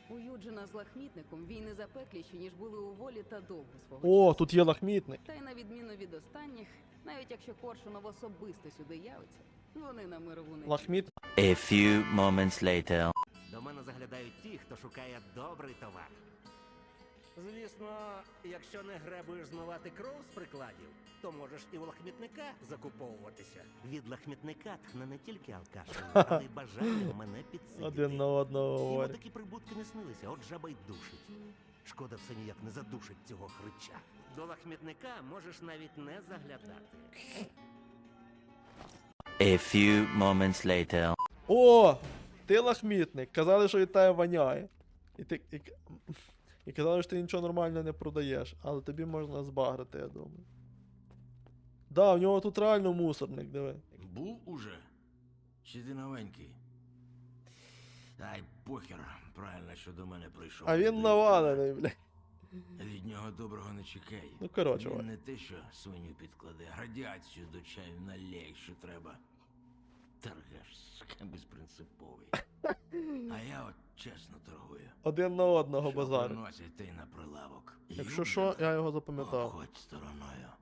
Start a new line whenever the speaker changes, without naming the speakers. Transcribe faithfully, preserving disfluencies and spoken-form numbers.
У Юджина з лахмітником війни запекліші, ніж були у Волі та Довгу свого
О,
часу.
тут є лахмітник.
Та й на відміну від останніх, навіть якщо Коршунов особисто сюди явиться, вони на мирову не
Лахміт.
A few moments later.
До мене заглядають ті, хто шукає добрий товар. Звісно, якщо не гребуєш змивати кров з прикладів, то можеш і у лахмітника закуповуватися. Від лахмітника тхне не тільки алкашем, але й бажанням мене підсидіти.
Один на одного
Йому
говорить.
такі прибутки не снилися, от жаба й душить. Шкода, все ніяк не задушить цього хрича. До лахмітника можеш навіть не заглядати.
A few moments later.
О! Ти лахмітник. Казали, що від тебе воняє. І ти. І, і казали, що ти нічого нормально не продаєш. Але тобі можна збагрити, я думаю. Да, в нього тут реально мусорник, диви.
Був уже? Чи ти новенький? Ай, похер, правильно, що до мене прийшов.
А він навалений, бля.
Від нього доброго не чекай.
Ну, коротше,
Він
Вань.
не те, що свиню підкладе, радіацію до чаю налє, якщо треба. Торгаш, сука, безпринциповий. А я от чесно торгую.
Один на одного
Що
базар.
приносять, те й на прилавок.
Якщо що, я його запам'ятав.
Обходь стороною.